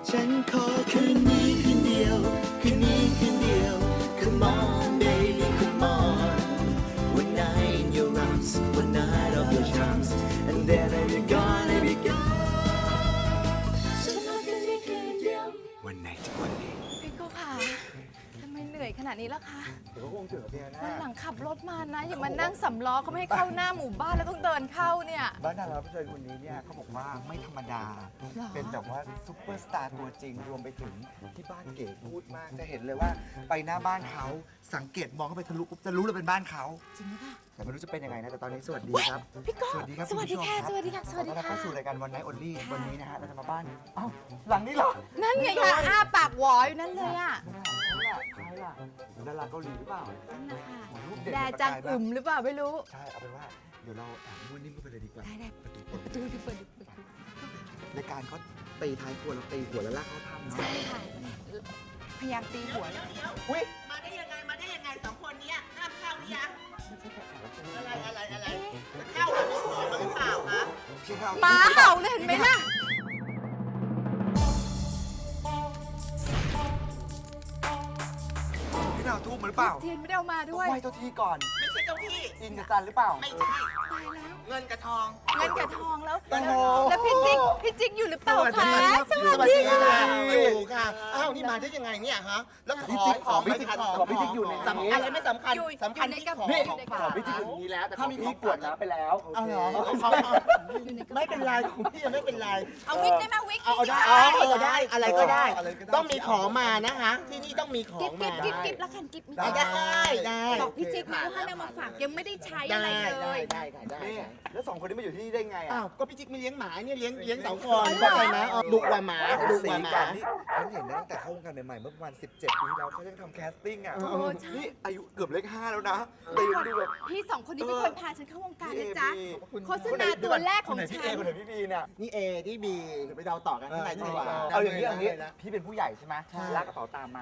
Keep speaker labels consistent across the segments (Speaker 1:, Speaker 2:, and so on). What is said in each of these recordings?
Speaker 1: ฉันขอคืนนี้คืนเดียวคืนนี้คืนเดียว Come on baby come on One night in your arms One night of your charms And then I'll be gone I'll be gone ฉันขอคืนนี้คืนเดียว One night only
Speaker 2: พี่โก้ค่ะทำไมเหนื่อยขนาดนี้ล่ะคะ
Speaker 3: เดี๋ยวก็คงเจอเพียนะ
Speaker 2: วันหลังขับรถมานะ อย่ามานั่งสำล้อเขาไม่ให้เข้าหน้าหมู่บ้านแล้วต้องเดินเข้าเนี่ย
Speaker 3: บ้านดาราผู้ชายคนนี้เนี่ยเขาบอกว่าไม่ธรรมดา
Speaker 2: หรอ
Speaker 3: เป็นแบบว่าซุปเปอร์สตาร์ตัวจริงรวมไปถึงที่บ้านเก๋พูดมาก จะเห็นเลยว่าไปหน้าบ้านเขาสังเกตมองเข้าไปทะลุปุ๊บจะรู้เลยเป็นบ้านเขา
Speaker 2: จริงหรือเปล่า
Speaker 3: แต่ไม่รู้จะเป็นยังไงนะแต่ตอนนี้สวัสดีครับ
Speaker 2: พี่โก้
Speaker 3: สวัสดีครับ
Speaker 2: สวัสดีค่ะ
Speaker 3: ณผู้ชม
Speaker 2: สวัสดีค่ะสวัสดี
Speaker 3: ต้อนรับ
Speaker 2: ค่ะ
Speaker 3: เข้าสู่รายการวันไนท์ออนลี่วันนี้นะฮะเราจะมาบ้านเอ้าหลังนี้เหรอ
Speaker 2: นั่นไงคะอ้าปากหวออยู่นั่นเลยอ่ะ
Speaker 3: ใครล่ะดาราเกาหลีหรือเปล่า
Speaker 2: นั่นนะคะ
Speaker 3: รูปเด็ก
Speaker 2: แดจังอึมหรือเปล่าไม่รู้
Speaker 3: ใช่เอาเป็นว่าเดี๋ยวเราแอบมุ่นนิ่มเข้าไปเลยดีกว่า
Speaker 2: ได้เปิดประตูดิเปิดประตู
Speaker 3: รายการเขาตีท้ายครัวเราตีหัวแล้วลากเข้าถ้ำเนาะ
Speaker 2: ใช่ค่ะพยายามตีหัว
Speaker 3: อุ้ย
Speaker 4: มาได้ยังไง มาได้ยังไงสองคนเนี้ยห้ามเข้าหรือยัง
Speaker 3: ไม่ใช่แค่แขกรับเชิญ
Speaker 4: อะไรจะเข้ากับมีของมาหรือเปล่าคะ
Speaker 3: พี่เขา
Speaker 2: หมาเห่าเลยเห็นไหมล่ะ
Speaker 3: พี่ดาวทูบมาหรือเปล่า
Speaker 2: เทียนไม่ได้เอามาด้วย
Speaker 3: ไหว้เจ้าที่ก่อน
Speaker 4: ไม่ใช่เจ้าที่
Speaker 3: อินกับจันหรือเปล่า
Speaker 4: ไม่ใช่
Speaker 2: ตายแล้ว
Speaker 4: เงินกับทอง
Speaker 2: เงินกับทองแล้ว
Speaker 3: โอ้โห
Speaker 2: แล้วพี่จิ๊กอยู่หรือเปล่าคะ
Speaker 4: สวัสดีค่ะอยู่ค่ะ อ้าวนี่มาได้ยังไงเนี่ยฮะ แล้วของ
Speaker 3: พี่จิ๊กของพี่จิ๊กอยู่ในนี้
Speaker 4: สำอะไรไม่สำคัญ
Speaker 2: อยู่
Speaker 4: สำคัญ
Speaker 2: อยู่ใน
Speaker 4: ที่
Speaker 2: กระ
Speaker 4: ของ
Speaker 2: เป๋า
Speaker 3: ของพี่จิ๊กอยู่ในนี้แล้ว แต่ถ้ามีพี่กวดน้ำไปแล้ว
Speaker 4: เอาเหรอไม่เป็นไรของพี่ยังไม่เป็นไร
Speaker 2: เอาวิกได้ไหมวิก
Speaker 4: เอาได้อะไรก็ได้ ต้องมีของมานะคะที่นี่ต้องมีของ
Speaker 2: กิ๊บ
Speaker 4: มา
Speaker 2: กิ๊บแล้วกันกิ๊บมี
Speaker 4: ได้
Speaker 2: บอกพี่จิ๊กนะว่าเอามาฝากยังไม่ได้ใช้อะไรเลย
Speaker 4: ได้
Speaker 3: นี่แล้วสองคนนี้มาอยู่ที่นี่ได้ไง
Speaker 4: อ้า
Speaker 3: อ่ะ
Speaker 4: วก็พี่จิ๊กไม่เลี้ยงหมาเนี่ยเลี้ยงเต่าคอนเข้าใจไหมดุกว่าหมาดุก
Speaker 3: สี
Speaker 4: ว่าหมา
Speaker 3: กันนี่ฉันเห็นนะตั้งแต่เข้าวงการใหม่ๆเมื่อประมาณ17 ปีที่แล้วเขายังทำแคสติ้งอ่ะ
Speaker 2: โอ้ใช่
Speaker 3: นี่อายุเกือบเลข5แล้วนะแต่ยังดูแบบ
Speaker 2: พี่สองคนนี้เป็นคนพาฉันเข้าวงการ
Speaker 3: พี่
Speaker 2: นะ
Speaker 3: เอ
Speaker 2: จ๊ะ
Speaker 3: พี่
Speaker 2: โฆษณาตัวแรกของ
Speaker 3: พี่
Speaker 2: ฉั
Speaker 3: เอน คนไหนพี่บีเนี่ย
Speaker 4: นี่เอที่บีเดี๋ยวไปเดาต่อกันข้างในดีกว่า
Speaker 3: เอาอย่างนี้พี่เป็นผู้ใหญ่ใช่ไหมลากกระเป๋าตามมา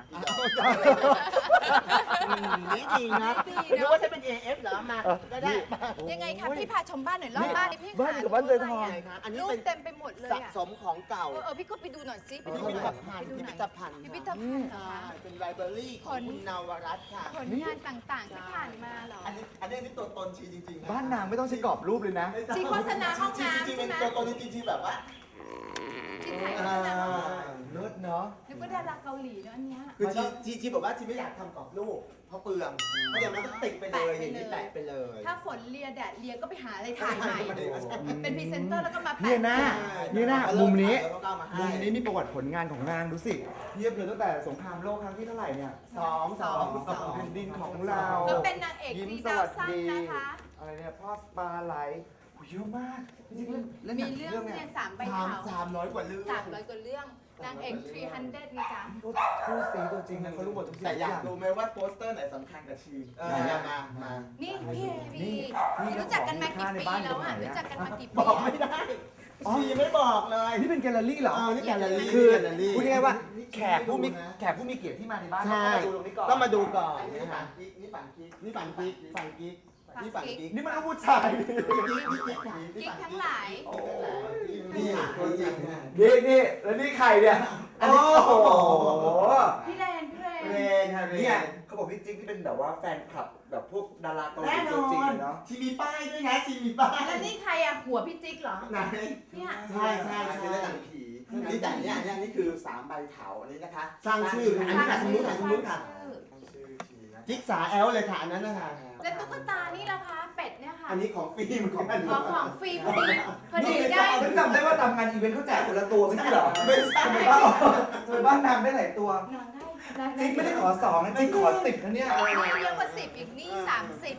Speaker 4: นี่ดีนะนึกว่าจะเป็น AF เหรอมาก็ได้
Speaker 2: ยังไงคะพี่พาชมบ้านหน่อยรอบบ้านนี่พี่
Speaker 3: บ้านกับบ้านเจอทอง
Speaker 4: อันนี้
Speaker 2: รูป
Speaker 4: เป็น
Speaker 2: เต็มไปหมดเลย
Speaker 4: สะ
Speaker 2: อ่ะ
Speaker 4: สมของเก่า
Speaker 2: พี่ก็ไปดูหน่อยสิไป
Speaker 4: พิ
Speaker 2: ดู
Speaker 4: พิ
Speaker 2: ห
Speaker 4: ธ
Speaker 2: น่อย
Speaker 4: ภัณฑ์
Speaker 2: ไปดู
Speaker 4: พิ
Speaker 2: หน่
Speaker 4: พิ
Speaker 2: อย
Speaker 4: ธภัณฑ์
Speaker 2: พิพิธภัณฑ์เหรอคะ
Speaker 4: เป็นไลบรารีของคุณนวรัตน์ค่ะ
Speaker 2: ผลงานต่างๆที่ผ่านมาเหรอ
Speaker 4: อันนี้ตัวตนชีจริงๆ
Speaker 3: บ้านนางไม่ต้องใช้กรอบรูปเลยนะ
Speaker 2: จริงโฆษณาห้องน้ำ
Speaker 4: จริง
Speaker 2: ใช่ไหม
Speaker 4: ๆตัวตนจริงๆแบบว่า
Speaker 2: จริงถ่ายโฆษณาห้องน้ำ
Speaker 3: เลิศเนาะ
Speaker 2: นึกว่าดาราเกาหลีเนอะอันเนี้ย
Speaker 4: คือชีบอกว่าชีไม่อยากทำกรอบรูปเพราะเปลืองเพราะอย่างนั้นก็ติดไปเลยอย่างนี้แปะไปเลย
Speaker 2: ถ้าฝนเลียแดดเลียก็ไปหาอะไรถ่ายใหม่ เป็นพรีเซนเตอร์แล้วก็มา
Speaker 3: เนี่
Speaker 2: แปะ
Speaker 3: ยนะ นี่นะมุมนี้
Speaker 4: แล้วก็เอามาให้
Speaker 3: มุมนี้มีประวัติผลงานของนางดูสิเทียบเลยตั้งแต่สงครามโลกครั้งที่เท่าไหร่เนี่ย
Speaker 4: สอง
Speaker 3: แผ่นดินของเรา
Speaker 2: ก็เป็นนางเอก
Speaker 3: ยิ้ม
Speaker 2: ดี
Speaker 3: ส
Speaker 2: ดาว
Speaker 3: วัส
Speaker 2: สั้น
Speaker 3: ดี
Speaker 2: นะคะ
Speaker 3: อะไรเนี่ยพ่อปลาไหลโอ้ยเยอะมากจริงๆเล่นห
Speaker 2: มี
Speaker 3: นัง
Speaker 2: เรื่องเนี่ย3 ใบเถา
Speaker 4: 300 กว่าเรื่อง
Speaker 2: 300 กว่าเรื่อง นางเอก300นี่จ้ะ
Speaker 3: คู่ซีตัวจริงนะเขารู้หมดทุกสิ่ง
Speaker 4: แต่
Speaker 3: ทุก
Speaker 4: อ
Speaker 3: อย
Speaker 4: าก
Speaker 3: ย่าง
Speaker 4: รู้ไหมว่าโปสเตอร์ไหนสำคัญกับชีมา
Speaker 2: นี่พี่พี่รู้จักกันมากี่ปีแล้วอ่ะ รู้จักกันมากี่ปี
Speaker 4: บอกไม่ได้ชีไม่บอกเลย
Speaker 3: นี่เป็นแกลเลอรี่เหรอ
Speaker 4: นี่แกลเลอรี่
Speaker 3: คือ
Speaker 4: แกลเลอรี่
Speaker 3: พูดง่ายๆว่าแขกผู้มีเกียรติที่มาในบ้าน
Speaker 4: ใช่
Speaker 3: ต้องมาดูตรงนี้ก่อน
Speaker 4: ต้องมาดูก่อนนี่ฝันกิ๊กนี่ฝันกิ๊กนี่ฝันกิ๊กฝันกิ๊กนี่ฝันกิ๊ก
Speaker 3: นี่มันลูกผู้ชาย
Speaker 2: กิ๊กทั้งหลาย
Speaker 4: นี่ตัวจริง
Speaker 3: นี่แล้วนี่ใครเนี่ยอันนี้โอ้โห
Speaker 2: พี่แรน
Speaker 4: เรนฮะเร
Speaker 3: เนี่ย
Speaker 4: น
Speaker 3: เขาบอกพี่จิ๊กที่เป็นแบบว่าแฟนคลับแบบพวกดาราเกาหลี
Speaker 4: แน่น
Speaker 3: ตัว
Speaker 4: อ
Speaker 3: จริง
Speaker 4: น
Speaker 3: เลยเนาะ
Speaker 4: ชีมีป้ายด้วยนะชีมีป้าย
Speaker 2: แล้วนี่ใครอ่ะ หัวพี่จิ๊กเหรอ
Speaker 4: ไหน
Speaker 2: เนี่ย
Speaker 4: ใช่เป็นเรื่องหนังผีนี่แต่เนี่ยนี่คือ3ใบเถาอันนี้นะคะสร้างชื่ออันนี้ค่ะสมมติค่ะสมมติค่ะจิ๊กสาแอลเลยค่ะอันนั้นนะคะ
Speaker 2: แล้วตุ๊กตานี่ล่ะคะ เป็ดเนี่ยค่ะ
Speaker 4: อันนี้ของฟิล์มของ
Speaker 2: อ๋อของฟรีพอดีได้
Speaker 3: ฉันจำได้ว่าทำงานอีเวนต์เขาแจกคนละตัวไม่ใช่เหรอ
Speaker 4: ไม่ใช่
Speaker 3: ทำไมบ้านนางได้หลายตัว
Speaker 2: นางได้
Speaker 3: จิ๊กไม่ได้ขอ2นะจิ๊กขอ10นะเนี่ย
Speaker 2: นี่เยอะกว่า10อีกนี่30
Speaker 4: ใช่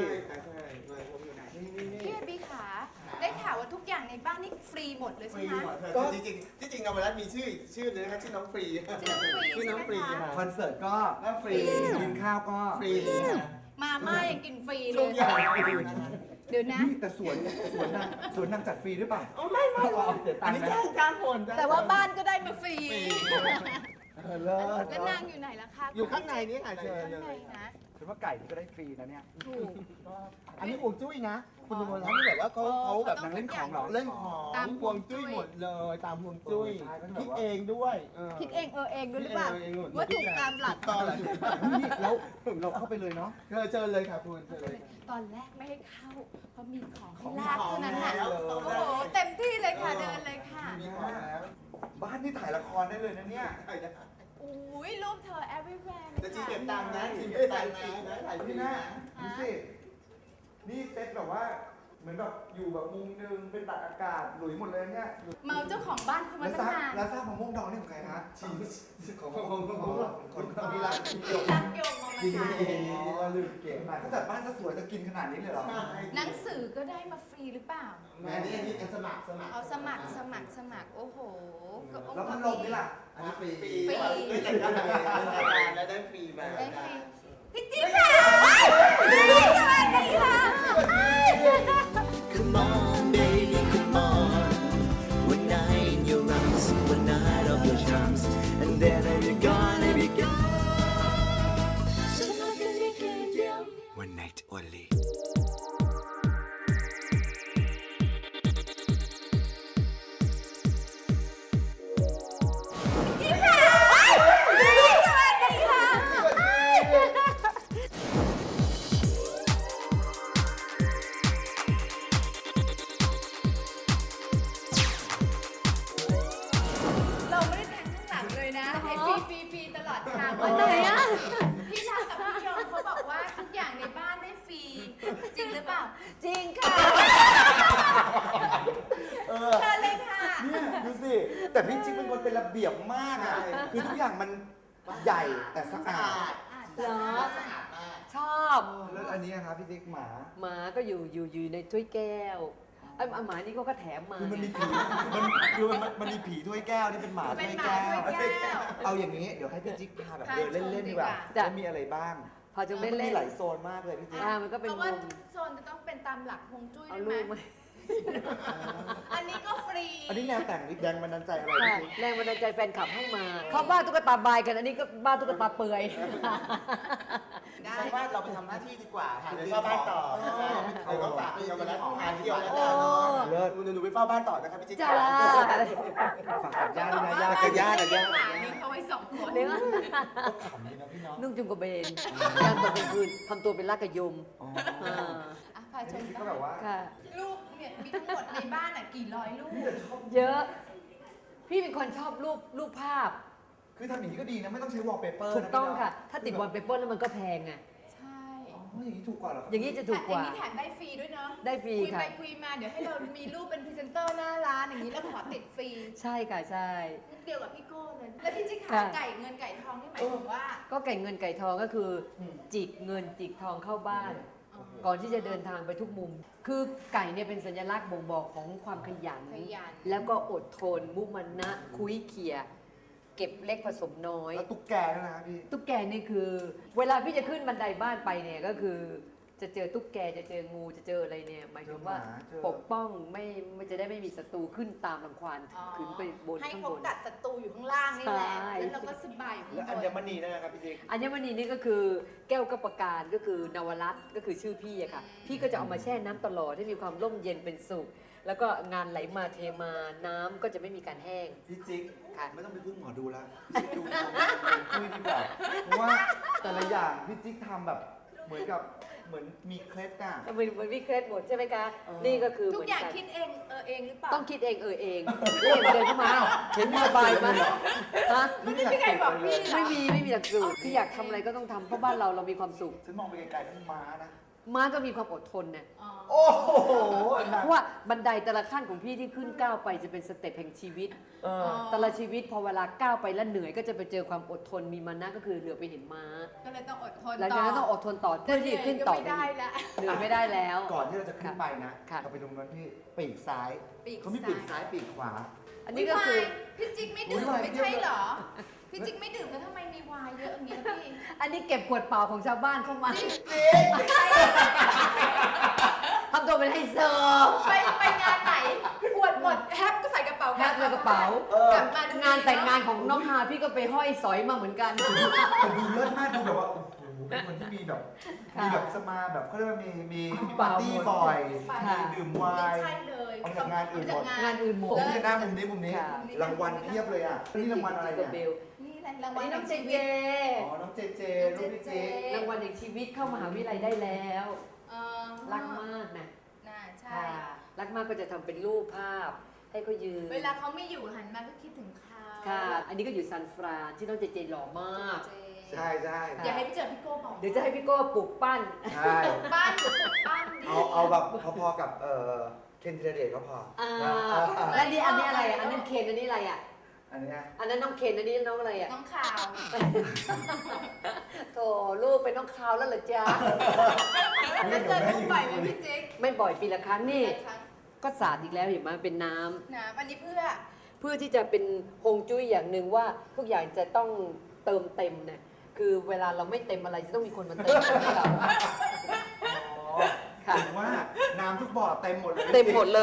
Speaker 2: พี่บีขาได้ข่าวว่าทุกอย่างในบ้านนี่ฟรีหมดเลย
Speaker 4: ฟ
Speaker 2: ใช่
Speaker 4: รี
Speaker 2: ไหม
Speaker 4: หมดจริงจริงนวรัตน์มีชื่อเลยนะคะชื่อน้องฟรี
Speaker 2: ชื่อน้องฟรี
Speaker 4: ชื่อน้องฟรีค่ะ
Speaker 3: คอนเสิร์ตก็
Speaker 4: ก็ฟรี
Speaker 3: กินข้าวก็
Speaker 4: ฟรี
Speaker 2: มาม่ายังกินฟรีเล
Speaker 4: ทุก
Speaker 2: ย
Speaker 4: อย่างฟรีนะคะ
Speaker 2: เดี๋ยวนะ
Speaker 3: นี่แต่สวนนางจัดฟรีหรือเปล่า
Speaker 4: ไม่อันนี้จ้างคน
Speaker 2: แต่ว่าบ้านก็ได้มาฟรี
Speaker 3: เลิศ
Speaker 2: แล้วนางอยู่ไหนล่ะคะ
Speaker 4: อยู่ข้างในนี่ค่ะเชิญ
Speaker 2: ข้าง
Speaker 4: เล
Speaker 2: ใน
Speaker 4: ย
Speaker 2: นะ
Speaker 3: ฉันว่าไก่นี่ก็ได้ฟรีนะเนี่ย
Speaker 2: ถูก
Speaker 4: อันนี้ฮวงจุ้ยนะ คุณดูร้านนี่แบบว่าเขาแบบ
Speaker 2: เขาต้อง
Speaker 3: เล่นของเหรอ
Speaker 4: เล่นของ
Speaker 2: ตาม
Speaker 4: ฮวงจุ้ยหมดเลยตามฮวงจุ้ย
Speaker 3: ใช่มันแบบ
Speaker 4: คิด
Speaker 3: ว่า
Speaker 4: เองด้วย
Speaker 2: คิดเองเองด้วยหรือเปล่า
Speaker 4: คิดเองหมด
Speaker 2: ว่าถูกตามหลัก
Speaker 4: ตอนหลัง
Speaker 3: นี่แล้วเราเข้าไปเลยเนาะ
Speaker 4: เชิญเลยค่ะคุณเชิญเลย
Speaker 2: ตอนแรกไม่ให้เข้า เพราะมีของให้
Speaker 4: ของ
Speaker 2: ลากเท่านั้นน่ะ
Speaker 4: แล้ว
Speaker 2: โอ้โหเต็มที่เลยค่ะเดินเลยค่ะ
Speaker 4: มีของแล้ว
Speaker 3: บ้านที่ถ่ายละครได้เลยนะเนี่ย
Speaker 2: อุ้ยรูปเธอ everywhere
Speaker 4: จะจีเก็บตังค์นะจีเก็บตังค์นะถ่ายฟรี
Speaker 3: พี่
Speaker 4: นะ
Speaker 3: นะดูสินี่เซ็ตแบบว่าเหมือนแบบอยู่แบบมุมนึงเป็นตักอากาศหลุยหมดเลยเนี่ย
Speaker 2: เมาเจ้าของบ้านเขามา
Speaker 3: แล้ว
Speaker 2: ตั้
Speaker 3: ท
Speaker 2: ง
Speaker 3: ราบ
Speaker 2: นาน
Speaker 3: แล้วทราบมะม่วงดองนี่ของใครคะของคนที่รัก
Speaker 2: ที่รักโยมเอามา
Speaker 3: จริง
Speaker 2: ขาย
Speaker 3: เราลืมเก็บมาถ้าจัดบ้านจะสวยจะกินขนาดนี้เลยเหรอ
Speaker 2: หนังสือก็ได้มาฟรีหรือเปล่า
Speaker 4: อันนี้สมัคร
Speaker 2: เอาสมัคร โอ้โหก็อง
Speaker 3: แล้ว
Speaker 2: ค์
Speaker 3: พัดลมนี่ล่ะ
Speaker 4: อันนี้ฟรี
Speaker 2: ฟรี
Speaker 4: ไม่แต่งงานแล้วได้ฟรีมา
Speaker 2: ได้ฟรีพี่จิ๊บค่ะสวัสดีค่ะ
Speaker 1: Come on, baby, come on. One night in your arms, one night of your charms, and then I'll be gone, I'll be gone. So how can we get down? One night only.
Speaker 2: เราไม่ได้แทงข้างหลังเลยนะให้ฟรีตลอดทาง
Speaker 5: วันไหนอะ
Speaker 2: พี่ชากับพี่ยงเขาบอกว่าทุกอย่างในบ้านได้ฟรี จริงหรือเปล่า
Speaker 5: จริงค่ะ
Speaker 2: เชิญเลยค่ะ
Speaker 3: เนี่ยดูสิ แต่พี่จิ๊กเป็นคนเป็นระเบียบมากอ่ะ คือทุกอย่างมันใหญ่แต่สะอาด
Speaker 5: เหรอ ชอบ
Speaker 3: แล้วอันนี้นะครับพี่จิ๊กหมา
Speaker 5: หมาก็อยู่ในถ้วยแก้วไอ้หมานี่ก็แถมมา
Speaker 3: คือมันมีผีมันมีผีถ้วยแก้วนี่เป็นหมา
Speaker 2: เป็
Speaker 3: ถ้
Speaker 2: น
Speaker 3: วย
Speaker 2: หมา
Speaker 3: แก้ว
Speaker 2: ถ้วยแก้ว
Speaker 3: เอาอย่างนี้เดี๋ยวให้พี่จิ๊กพาแบบ
Speaker 2: พา
Speaker 3: เดินเล่นๆดีกว่า
Speaker 2: ชมดีกว่า
Speaker 5: จ้ะ
Speaker 3: ว่ามีอะไรบ้าง
Speaker 5: พอจะเล่น
Speaker 3: มัน
Speaker 5: เล่
Speaker 3: มี
Speaker 5: น
Speaker 3: หลายโซนมากเลยพี่จิ๊ก
Speaker 5: มันก็เป็น
Speaker 2: เพราะ
Speaker 5: มุ
Speaker 2: ว่าม ทุกโซนจะต้องเป็นตามหลักฮวงจุ้ย
Speaker 5: เอา
Speaker 2: ด้วย
Speaker 5: ลู
Speaker 2: ไหม
Speaker 5: กมา
Speaker 2: อันนี้ก็ฟรี
Speaker 3: อันนี้แนวแต่งแรงบันดาลใจอะไร
Speaker 5: ค่ะ
Speaker 3: พี่จิ๊ก
Speaker 5: แรงบันดาลใจแฟนคลับให้มา เขาบ้าตุ๊กตาบายกัน อันนี้ก็บ้าตุ๊กตาเปื่อย
Speaker 2: ได้
Speaker 4: ใช่ว่าเราไปทำหน้าที่ดีกว่าค่ะเดี๋ยวเข้าบ้านต่อเดี๋ยวก็ฝากพี่เยาวรัตน์งานเที่ยวแล้วกัน
Speaker 3: เลิศ
Speaker 4: หนูไปเฝ้าบ้านต่อนะครับพี่จิ๊ก
Speaker 5: จ้า
Speaker 3: ฝากกับญาติด้วยนะญาติกับญาติกับญาติ
Speaker 2: หมาเลี้ยงเขาไว้สองคน
Speaker 5: เลี้ยง
Speaker 3: ก็ขำดีนะพี่เน้อง
Speaker 5: นุ่งจุงกระเบนย่างตอนกลางคืนทำตัวเป็นลากกระยม
Speaker 3: อ๋อ
Speaker 5: อ่า
Speaker 2: อ่ะพาชม
Speaker 3: พี่ก็แบบว่า
Speaker 5: ค่ะ
Speaker 2: รูปเนี่ยมีทั้งหมดในบ้านอ่ะกี่ร้อยรูป
Speaker 5: เยอะ พี่เป็นคนชอบรูปภาพ
Speaker 3: คือทำอย่างนี้ก็ดีนะไม่ต้องใช้วอลเปเปอร์
Speaker 5: ถูกต้องค่ะ ถ้าติดวอลเปเปอร์แล้วมันก็แพงไง
Speaker 2: ใช่
Speaker 3: อ๋ออย่างนี้ถูกกว่าเหรอครับ
Speaker 5: อย่างนี้จะถูกกว่า
Speaker 2: อันนี้แถมได้ฟรีด้วยเนาะ
Speaker 5: ได้ฟรี
Speaker 2: คุย
Speaker 5: ค่ะ
Speaker 2: ไปคุยมาเดี๋ยวให้เรามีรูปเป็นพรีเซนเตอร์หน้าร้านอย่างนี้แล้วขอติดฟรี
Speaker 5: ใช่ค่ะใช่
Speaker 2: เดียวกับพี่โก้เลย แล้วพี่จิ๊กขา
Speaker 5: ค่ะ
Speaker 2: ไก่เงินไก่ทองนี่หมายถึงว่า
Speaker 5: ก็ไก่เงินไก่ทองก็คืออจิกเงินจิกทองเข้าบ้าน ก่อนที่จะเดินทางไปทุกมุม คือไก่เนี่ยเป็นสัญลักษณ์บ่งบอกของความขยัน
Speaker 2: ขยัน
Speaker 5: แล้วก็อดทน มุมานะคุยเขี่ยเก็บเล็กผสมน้อย
Speaker 3: แล้วตุ๊กแกด้วยนะครับพี่
Speaker 5: ตุ๊กแกนี่คือ เวลาพี่จะขึ้นบันไดบ้านไปเนี่ยก็คือ จะเจอตุ๊กแกจะเจองูจะเจออะไรเนี่ยหมายถึงว่า
Speaker 3: เจอหมาเจอ
Speaker 5: ปกป้องไม่จะได้ไม่มีศัตรูขึ้นตามรังควานขึ้นไปบน
Speaker 2: ให้
Speaker 5: ข้าง
Speaker 2: เขา
Speaker 5: บน
Speaker 2: กัดศัตรูอยู่ข้างล่างนี่แหละ
Speaker 5: ใช่
Speaker 2: แล้วเราก็สบายอยู่
Speaker 3: แล้ว
Speaker 2: ข้า
Speaker 3: อั
Speaker 2: งบ
Speaker 3: ญ
Speaker 2: น
Speaker 3: มณีด้วยนะครับพี่จิ๊ก
Speaker 5: อัญมณีนี่ก็คือแก้วกัปการก็คือนวรัตน์ก็คือชื่อพี่อะค่ะ พี่ก็จะเอามาแช่น้ำตลอดให้มีความร่มเย็นเป็นสุข แล้วก็งานไหลมาเทมาน้ำก็จะไม่มีการแห้ง
Speaker 3: พี่จิ๊ก
Speaker 5: ค่ะ
Speaker 3: ไม่ต้องไปพึ่งหมอดูแล้วพี่จิ๊กดูคุยดีกว่าเพราะว่าแต่ละอย่างพี่จิ๊กทำแบบเหมือนมีเคล็ดอ่ะ
Speaker 5: เหมือนวิเคราะห์หมดใช่ไหมคะ
Speaker 3: เออ
Speaker 5: นี่ก็คือ
Speaker 2: ทุ
Speaker 5: เห
Speaker 2: ก
Speaker 5: มือน
Speaker 2: อย่าง
Speaker 5: กัน
Speaker 2: คิดเองเองหรือเปล่า
Speaker 5: ต้องคิดเองเองเล่นเดินเข้ามาเห็นมีสบายไหมฮะ
Speaker 2: ไม่ได้มีใครบอกพี่เหรอ
Speaker 5: ไม่มีหลักสูตรคืออยากทำอะไรก็ต้องทำเพราะบ้านเรามีความสุข
Speaker 3: ฉันมองไปไกลๆนั่นม้านะ
Speaker 5: ม้าก็มีความอดทนนะ
Speaker 2: อ๋อ
Speaker 3: โอ้โห
Speaker 5: เพราะว่าบันไดแต่ละขั้นของพี่ที่ขึ้นก้าวไปจะเป็นสเต็ปแห่งชีวิต
Speaker 3: เออ
Speaker 5: แต่ละชีวิตพอเวลาก้าวไปแล้วเหนื่อยก็จะไปเจอความอดทนมีมานะก็คือเหลือไปเห็นม้า
Speaker 2: ก็เลยต้องอดทน
Speaker 5: หลังจากนั้นต้องอดทนต่อเพื่อที่จะขึ้นต่อ
Speaker 2: ไม่ได้แล้ว
Speaker 5: เหนื่อยไม่ได้แล้ว
Speaker 3: ก่อนที่เราจะขึ้นไปนะ
Speaker 5: ค่ะ
Speaker 3: เราไปตรงนั้นพี่ปีกซ้าย
Speaker 2: ปีก
Speaker 3: เขามีปีกซ้ายปีกขวา
Speaker 5: อันนี้ก็คือ
Speaker 2: พี่จิ๊กไม่ดื่ม
Speaker 3: อุ๊ย
Speaker 2: ไม่ใช่เหรอ พี่จิ๊กไม่ดื่มแล้วทำไมมีวายเยอะอย่างเงี้ยพี่
Speaker 5: อันนี้เก็บขวดเปล่าของชาวบ้านเข้ามาทำตัวเป็นไฮโซ
Speaker 2: ไปงานไหนขวดหมดแฮปก็ใส่กระเป๋า
Speaker 5: แพ็คในกระเป๋า
Speaker 2: กลับมาดู
Speaker 5: งานแต่งงานของน้องฮาพี่ก็ไปห้อยสอยมาเหมือนกัน
Speaker 3: แต่ดูเลิศมากดูแบบว่าโอ้โหเป็นคนที่มีแบบ
Speaker 5: ค่ะ
Speaker 3: มีแบบสมาแบบเขาเรียกว่ามี
Speaker 5: เปล่า
Speaker 3: ปาร์ตี้บ่อย
Speaker 5: ค่ะ
Speaker 3: มีดื่มไว
Speaker 2: ไม่
Speaker 3: น์
Speaker 2: ใช่เลย
Speaker 3: เอาจากงานอื่นหมด
Speaker 5: งานอื่นหม
Speaker 3: ผ
Speaker 5: ด
Speaker 3: มจะหน้ามุมนี้
Speaker 5: ค่ะ
Speaker 3: รางวัลเพียบเลยอ่ะนี่รางวัลอะไร
Speaker 5: กับเบ
Speaker 3: เนี่ย
Speaker 5: ล
Speaker 2: นี่แหละราง
Speaker 5: อั
Speaker 2: วัน ล
Speaker 5: นี้น้องเจ
Speaker 2: ชี
Speaker 5: เจ
Speaker 2: วิต
Speaker 3: อ๋อน้องเจเจลูกพี่เจ
Speaker 5: รางวัลแห่งชีวิตเข้ามหาวิทยาลัยได้แล้ว รักมากนะ
Speaker 2: น่าใช่
Speaker 5: ค่ะรักมากก็จะทำเป็นรูปภาพ ให้เขายืน
Speaker 2: เวลาเขาไม่อยู่หันมาก็คิดถึงเขา
Speaker 5: ค่ะ อันนี้ก็อยู่ซานฟรานที่น้องเจเจหล่อมาก
Speaker 2: เจ
Speaker 3: ใช่ใช่
Speaker 2: อย่าให้ไปเจอพี่โก้บอก
Speaker 5: เดี๋ยวจะให้พี่โก้ปลูกปั้น
Speaker 3: ใช่
Speaker 2: บ้านอยู่บ้านดี
Speaker 3: เอาแบบพอๆกับเคนธีรเดชก็พอ
Speaker 5: อ่า
Speaker 3: นะ
Speaker 5: แล้วนี่อันนี้อะไรอ่ะ อันนั้นเคนอันนี้อะไรอ่ะ
Speaker 3: อันเนี้ย
Speaker 5: อันนั้นน้องเคนอันนี้น้องอะไรอ่ะ
Speaker 2: น้องข่าว
Speaker 5: โถลูกเป็นน้องคาวแล้วเหรอจ๊ะ
Speaker 2: แล้วเจอลูกบ่อยไหมพี่จิ๊ก
Speaker 5: ไม่บ่อยปีละครั้งนี่
Speaker 2: ครั้ง
Speaker 5: ก็สาดอีกแล้วเห็นไหมเป็นน้ำ
Speaker 2: นะอันนี้เพื่อ
Speaker 5: เพื่อที่จะเป็นฮวงจุ้ยอย่างหนึ่งว่าทุกอย่างจะต้องเติมเต็มเนี่ยคือเวลาเราไม่เต็มอะไรจะต้องมีคนมาเติมให้เรา
Speaker 3: อ๋อ
Speaker 5: ค่ะ
Speaker 3: ถึงว่าน้ำทุกบ่อเต็มหมดเลย
Speaker 5: เต็มหมดเลย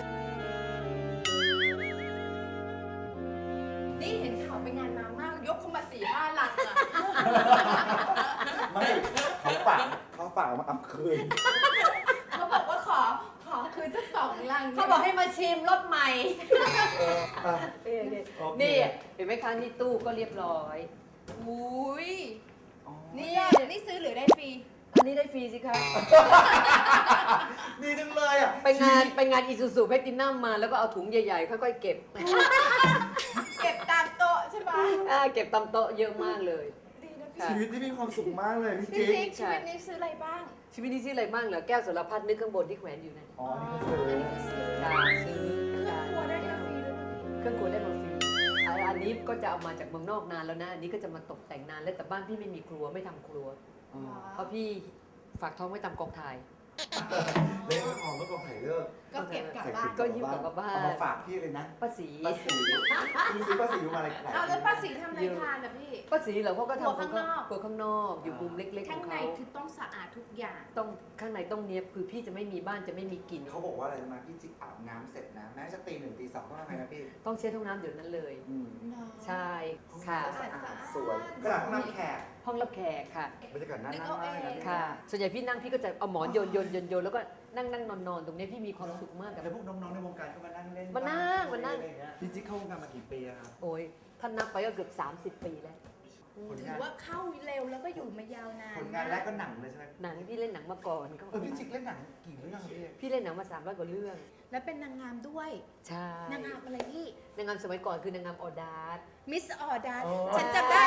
Speaker 2: นี่เห็นข่าวไปงานมามาก ยกเข้ามา4-5 ลังอะ
Speaker 3: ไม่เขาฝากมาเอาคืน
Speaker 2: เขาบอกว่าขอคืนสัก2 ลัง
Speaker 5: เขาบอกให้มาชิมรสใหม่
Speaker 3: อ่ะ
Speaker 5: นี่เห็นไหมคะนี่ตู้ก็เรียบร้อย
Speaker 2: อุ้ย
Speaker 3: อ๋อ
Speaker 2: นี่ซื้อหรือได้ฟรี
Speaker 5: อันนี้ได้ฟรีสิคะ
Speaker 3: ดีจังเลยอ่ะ
Speaker 5: ไปงานอีซูซูแพลตินัมมาแล้วก็เอาถุงใหญ่ๆค่อยๆเก็บ
Speaker 2: เก็บตามโต๊ะใช่ปะ
Speaker 5: เก็บตามโต๊ะเยอะมากเลย
Speaker 2: ดีนะพี่
Speaker 5: ค่ะ
Speaker 3: ชีวิตที่มีความสุขมากเลยพี่
Speaker 2: พี่
Speaker 3: จิ๊ก
Speaker 2: จิ๊กชีวิตนี้ซื้ออะไรบ้าง
Speaker 5: ชีวิตนี้ชื่ออะไรบ้างเหรอแก้วสารพัดนึกข้างบนที่แขวนอยู่นั่น
Speaker 3: อ๋อนี่ก็ซื้อ
Speaker 5: ค่ะซื้อ
Speaker 2: เครื่องครัวได้ฟรีด้วยป่ะพี่
Speaker 5: เครื่องครัวได้มาฟรีอันนี้ก็จะเอามาจากเมืองนอกนานแล้วนะ อันนี้ก็จะมาตกแต่งนานแล้วแต่บ้านพี่ไม่มีครัวไม่ทำครัว
Speaker 3: อ๋อ
Speaker 5: เพราะพี่ฝากท้องไว้ตามกองถ่าย
Speaker 3: เล่นของเมื่อก่อนไผ่เลิก
Speaker 2: ก็เก็บกลับ
Speaker 3: ใส่
Speaker 2: บ้า
Speaker 3: ถุ
Speaker 2: น
Speaker 3: ง
Speaker 5: ก็ยิ้มกลับมาบ้าน
Speaker 3: เอามาฝากพี่เลยนะ
Speaker 5: ป้าสี
Speaker 3: ป้าสีคุณซื้อป้าสีมาอะไรแปลก
Speaker 2: เอาแล้วป้าสีทำอะไรทานนะพี่
Speaker 5: ป้าสีเหรอเขาก็
Speaker 2: ครัว
Speaker 5: ทำ
Speaker 2: ข้างนอก
Speaker 5: ครัวข้างนอกอยู่มุมเล็กๆข
Speaker 2: ข้า
Speaker 5: อง ง
Speaker 2: ใน
Speaker 5: เขา
Speaker 2: คือต้องสะอาดทุกอย่าง
Speaker 5: ต้องข้างในต้องเนี้ยบคือพี่จะไม่มีบ้านจะไม่มีกลิ่น
Speaker 3: เขาบอกว่าอะไรรู้ไหมาพี่จิ๊กอาบน้ำเสร็จนะแม้จะตี 1 ตี 2ก็ทำไงนะพี่
Speaker 5: ต้องเช็ดห้องน้ำเดี๋ยวนั้นเลย
Speaker 3: อืม
Speaker 5: ใช่ค่ะ
Speaker 2: สะอาด
Speaker 3: สวยขนาดนั่งแขก
Speaker 5: ห้องรับแขกค่ะ
Speaker 3: บรรยากาศน่า
Speaker 2: นึก
Speaker 3: นั่ง
Speaker 2: เอา
Speaker 3: มาก
Speaker 2: เอง
Speaker 3: นะ
Speaker 5: ค่ะ ส่วนใหญ่พี่นั่งพี่ก็จะเอาหมอนโยนแล้วก็นั่งนอนตรงเนี้ยพี่มีความสุขมากกับ
Speaker 3: แล้วพวกน้องๆในวงการก็มานั่งเล่น
Speaker 5: มานั่ง
Speaker 3: อะไรอย่างเงี้ยพี่จิ๊กเข้าวงการมากี่ปีอะครับ
Speaker 5: โอ้ยท่านนับไปก็เกือบ30 ปีแล้ว
Speaker 3: ผล
Speaker 2: ถื
Speaker 3: งา
Speaker 2: อน ว่าเข้าเร็วแล้วก็อยู่มายาวนาน
Speaker 3: ผลงานแรกก็หนังเลยใช่ไหม
Speaker 5: หนังพี่เล่นหนังมาก่อนก็
Speaker 3: พี่จิ๊กเล่นหนังกี่เรื่องครับพี่
Speaker 5: พี่เล่นหนังมา300กว่าเรื่อง
Speaker 2: แล้วเป็นนางงามด้วย
Speaker 5: ใช่
Speaker 2: นางงามอะไรพี่
Speaker 5: นางงามสมัยก่อนคือนางงามออดาร์
Speaker 2: มิสออดาร์
Speaker 3: อ๋อ
Speaker 2: ฉันจำได้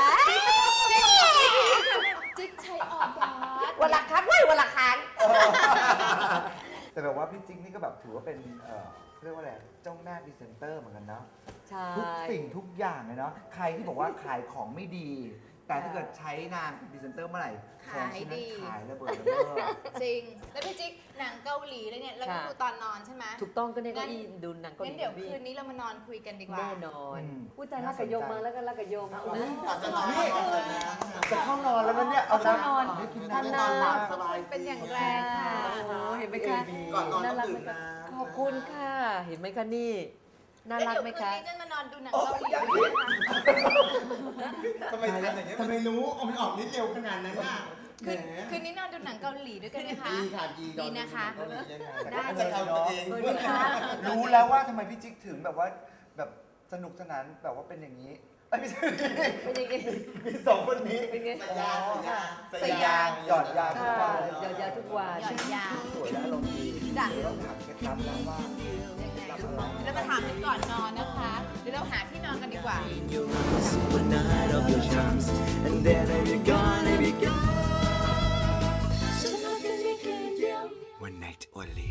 Speaker 2: จิ๊กใช้ออดาร์
Speaker 5: วันละครั้งวันละครั้ง
Speaker 3: แต่แบบว่าพี่จิ๊กนี่ก็แบบถือว่าเป็นเรียกว่าอะไรเจ้าหน้าพรีเซนเตอร์เหมือนกันเนาะ
Speaker 5: ใช่
Speaker 3: ทุกสิ่งทุกอย่างเลยเนาะใครที่บอกว่าขายของไม่ดี แต่ถ้าเกิดใช้นางพรีเซนเตอร์เมื่อไหร่ของชิ้นนั้นขายระเบิดระเบ้อ
Speaker 2: จริง แล้วพี่จิ๊กหนังเกาหลีเลยเนี่ยเราก็ดูตอนนอนใช่ไหม
Speaker 5: ถูกต้องก็เนี่ยก็อีดูหนังเกาห
Speaker 2: งั้
Speaker 5: ลี
Speaker 2: นเดี๋ยว
Speaker 5: พี่
Speaker 2: คืนนี้เรามานอนคุยกันดีกว่า
Speaker 5: แน่นอน
Speaker 3: อืม
Speaker 5: อุ้ยแต่รักกับโยมมาแล้วก็รักกับโยมนะ
Speaker 4: ก่อนจะนอน
Speaker 3: นี่
Speaker 4: ก่อนจะนอน
Speaker 3: จะเข้านอนแล้วนะเนี่ยเอา
Speaker 5: เข้านอน
Speaker 3: ให้กิน
Speaker 5: ท่าน
Speaker 3: น้ำ
Speaker 5: นา
Speaker 3: บ้าง
Speaker 4: สบาย
Speaker 2: เป็นอย่างแร
Speaker 5: ใช่
Speaker 2: ง
Speaker 5: ค่ะ
Speaker 2: ค่ะ
Speaker 5: โอ้โหเห็นไหมคะ
Speaker 4: ก่อนนอน
Speaker 5: น่า
Speaker 4: ต้อง
Speaker 5: รัก
Speaker 4: ดื่
Speaker 5: ไหม
Speaker 4: ม
Speaker 5: คะ
Speaker 4: น้ำ
Speaker 5: ขอบคุณค่ะ เห็นไหมคะนี่ น่ารักไหมคะ
Speaker 2: แล้วเดี๋ยวคืนนี้จะมานอนดูหนัง
Speaker 3: โอ้
Speaker 2: เกาหลี
Speaker 3: ยัง
Speaker 2: ด้วย
Speaker 3: อีก
Speaker 2: ค่ะ
Speaker 4: ทำไมทำอย่างเงี้ยทำไมรู้เอามันออกนิดเร็วขนาดนั้นน่ะ
Speaker 2: คืนนี้นอนดูหนังเกาหลีด้วยกันไหมคะ
Speaker 4: ดีค่ะดี
Speaker 2: ดีนะคะ
Speaker 3: ได้
Speaker 4: จะเอาตัวเอง
Speaker 3: รู้แล้วว่าทำไมพี่จิ๊กถึงแบบว่าแบบสนุกสนานแบบว่าเป็นอย่างนี้เอ้ยไม่ใช่
Speaker 5: เป็นยังไง
Speaker 3: มีสองคนนี้
Speaker 5: เป็นไง
Speaker 4: สยาสยา
Speaker 3: ใส่ยางหยอดยางทุก
Speaker 5: ค่ะ
Speaker 3: วัน
Speaker 5: หยอดยาทุกวัน
Speaker 2: หยอดยา
Speaker 3: สวยและอารมณ์ดี
Speaker 2: จ้ะ
Speaker 3: เดี๋ยวต้องถามเคล็ดลับแล้วว่า
Speaker 2: ยังไงแล้วมาถามกันก่อนนอนนะคะ เดี๋ยวเราหาที่นอนกันดีกว่า
Speaker 1: your arms, one night of your charms, and then I'll be gone, I'll be gone. So how can we get down? One night only.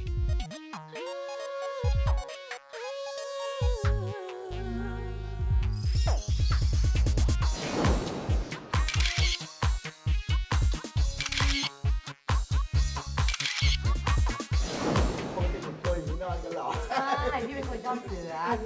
Speaker 3: ปกติผมตัวอยู่ที่นอนกันเหรอ
Speaker 5: ใช่พี่เป็นคนชอบเสือ
Speaker 3: หันหน้า